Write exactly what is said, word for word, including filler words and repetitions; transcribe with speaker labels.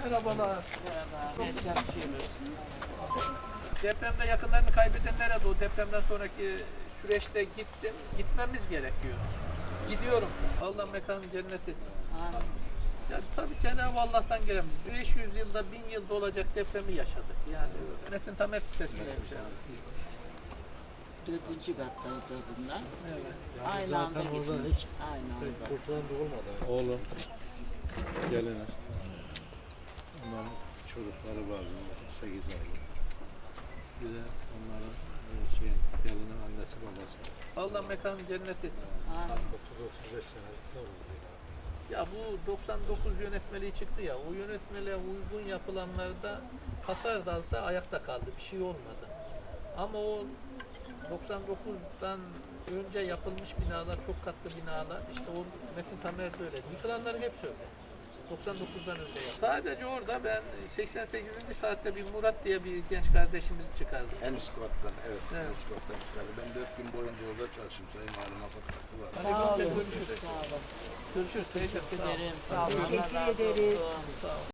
Speaker 1: Merhabalar.
Speaker 2: Merhaba. Ne çalışıyoruz?
Speaker 1: Depremde yakınlarını kaybedenlere de o depremden sonraki süreçte gittim. Gitmemiz gerekiyor. Gidiyorum. Allah mekanı cennet etsin.
Speaker 2: Amin.
Speaker 1: Ya tabii Cenab-ı Allah'tan gelen beş yüz yılda, bin yılda olacak depremi yaşadık. Yani Metin Tamer sitesindeymiş yani.
Speaker 2: Dördüncü kattaydı bunlar.
Speaker 1: Evet.
Speaker 2: Aynı anda
Speaker 3: Zaten orada
Speaker 2: gitmiş.
Speaker 3: hiç
Speaker 2: Aynı anda.
Speaker 3: kurtulan da olmadı. Oğlum, gelini. Onların çocukları vardı, otuz sekiz aylık. Bir de onların e, şey, gelinin annesi babası.
Speaker 1: Allah mekanı cennet etsin.
Speaker 2: Amin.
Speaker 3: otuz otuz beş senelik ne oldu ya?
Speaker 1: Ya bu doksan dokuz yönetmeliği çıktı ya, o yönetmeliğe uygun yapılanlarda hasar da alsa ayakta kaldı, bir şey olmadı. Ama o doksan dokuzdan önce yapılmış binalar, çok katlı binalar, işte o Metin Tamer'de öyle. Yıkılanların hepsi öyle. doksan dokuzdan önce yapıldı. Sadece orada ben seksen sekizinci saatte bir Murat diye bir genç kardeşimizi çıkardım.
Speaker 4: En üst kattan, evet,
Speaker 1: Evet.
Speaker 4: en üst kattan çıkardı. Ben dört gün boyunca orada çalıştım. Sayın Halim Afat Hakkı var.
Speaker 1: Hadi
Speaker 2: Sağ olun.
Speaker 1: görüşürüz.
Speaker 2: Sağ olun.
Speaker 1: Görüşürüz. Teşekkür ederim.
Speaker 2: Sağ olun. Teşekkür ederim.
Speaker 1: Sağ olun.